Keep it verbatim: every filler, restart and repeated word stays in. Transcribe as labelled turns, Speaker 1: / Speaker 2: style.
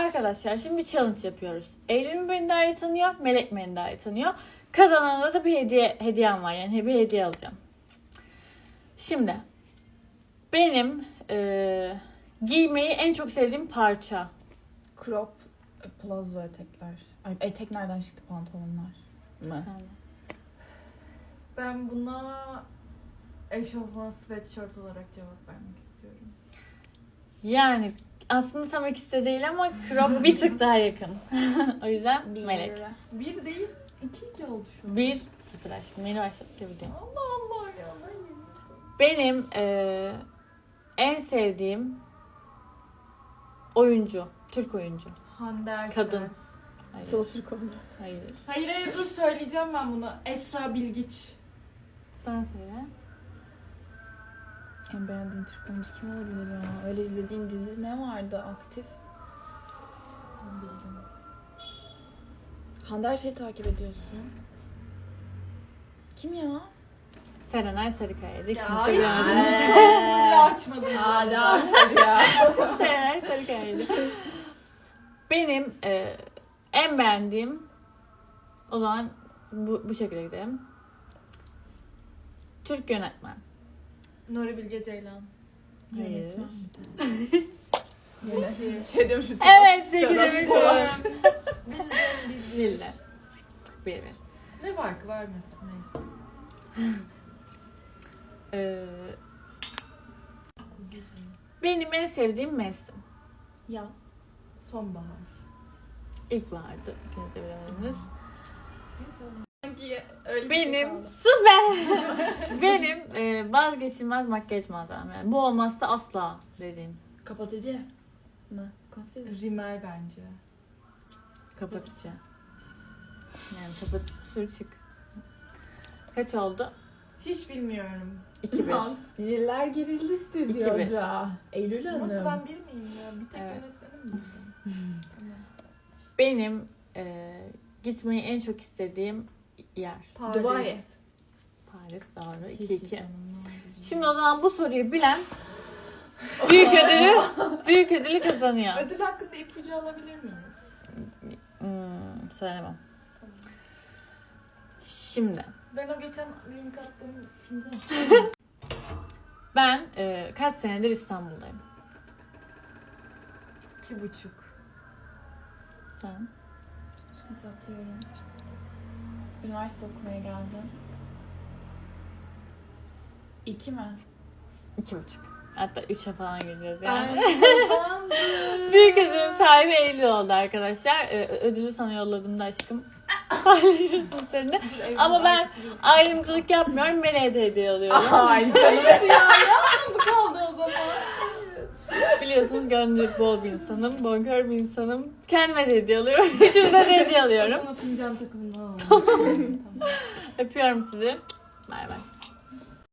Speaker 1: arkadaşlar şimdi bir challenge yapıyoruz. Eylül mü beni daha iyi tanıyor, Melek mi beni daha iyi tanıyor. Kazanana da bir hediye hediyem var, yani bir hediye alacağım. Şimdi benim e, giymeyi en çok sevdiğim parça.
Speaker 2: Crop, plazo etekler. Ay, etek nereden çıktı, pantolonlar mı?
Speaker 1: Sen de.
Speaker 3: Ben buna eşofman sweatshirt olarak cevap vermek istiyorum.
Speaker 1: Yani aslında tam ikisi de değil ama crop bir tık daha yakın. O yüzden
Speaker 2: Bir.
Speaker 1: Melek.
Speaker 3: Bir değil, iki iki oldu şu an.
Speaker 1: Bir sıfır aşkım. Yeni başladık ya video.
Speaker 3: Allah Allah ya. Ben
Speaker 1: Benim e, en sevdiğim oyuncu. Türk oyuncu.
Speaker 3: Hande Erçel.
Speaker 1: Kadın. Hayır.
Speaker 2: Sıla Türkoğlu.
Speaker 1: Hayır.
Speaker 3: Hayır hayır dur söyleyeceğim ben bunu. Esra Bilgiç.
Speaker 1: Sen söyle.
Speaker 2: En beğendiğin Türk oyuncu kim olabilir ya? Öyle izlediğin dizi ne vardı aktif? Ben bildim. Hande Erçel'i takip ediyorsun. Kim ya?
Speaker 1: Serenay Sarıkaya'ydı.
Speaker 3: Ya
Speaker 1: İkimiz de
Speaker 3: hiç
Speaker 1: gördünüz.
Speaker 3: sorusunu bile açmadım.
Speaker 2: Aa devam et ya.
Speaker 1: Serenay Sarıkaya'ydı. Benim e, en beğendiğim, o zaman bu, bu şekilde gidelim. Türk yönetmen.
Speaker 3: Nuri Bilge Ceylan.
Speaker 1: Hayır.
Speaker 2: Yönetmen. Yönetmen. Şey demişim.
Speaker 1: Evet, sevgili bildim. Bildim. Bir bir.
Speaker 3: Ne farkı var mesela neyse.
Speaker 1: Ee, benim en sevdiğim mevsim.
Speaker 2: Yaz.
Speaker 3: Sonbahar.
Speaker 1: İlkbahardı. İkiniz de bilemediniz.
Speaker 2: Sanki öyle
Speaker 1: Benim, sus be! Benim e, vazgeçilmez makyaj malzemem. Yani bu olmazsa asla dediğim.
Speaker 2: Kapatıcı mı? Konseler.
Speaker 3: Rimel bence.
Speaker 1: Kapatıcı. Yani kapatıcı sür çık. Kaç oldu?
Speaker 3: Hiç bilmiyorum.
Speaker 1: iki bir.
Speaker 2: Sinirler gerildi stüdyoda. Eylül Hanım.
Speaker 3: Nasıl ben bir miyim ya? Bir tek
Speaker 1: Evet.
Speaker 3: yönetmenim bildim. Tamam.
Speaker 1: Benim e, gitmeyi en çok istediğim yer.
Speaker 3: Paris.
Speaker 2: Dubai.
Speaker 1: Paris, doğru. iki
Speaker 3: İki
Speaker 1: iki.
Speaker 3: canım, ne oldu?
Speaker 1: Şimdi o zaman bu soruyu bilen büyük ödülü büyük ödülü kazanıyor.
Speaker 3: Ödül hakkında ipucu alabilir miyiz?
Speaker 1: Hmm, söylemem. Şimdi
Speaker 3: Ben o geçen link attığım fincan.
Speaker 1: ben e, kaç senedir İstanbul'dayım.
Speaker 3: İki buçuk.
Speaker 1: Sen?
Speaker 2: Hesaplıyorum. Üniversite okumaya geldim. İki mi?
Speaker 1: İki buçuk. Hatta üçe falan gireceğiz yani.
Speaker 3: Ben kazandım.
Speaker 1: Büyük ödülün sahibi Eylül oldu arkadaşlar. Ee, ödülü sana yolladım aşkım. Paylaşırsın seninle. Ama ben ayrımcılık yapmıyorum. Meleğe de hediye alıyorum.
Speaker 2: Ay canım.
Speaker 3: ya yaptım bu kaldı o zaman.
Speaker 1: Biliyorsunuz gönlü bol bir insanım. Bonkör bir insanım. Kendime de hediye alıyorum. Üçümüze de hediye alıyorum.
Speaker 3: Sonra fincan takımını alalım. Tamam.
Speaker 1: Öpüyorum sizi. Bay bay.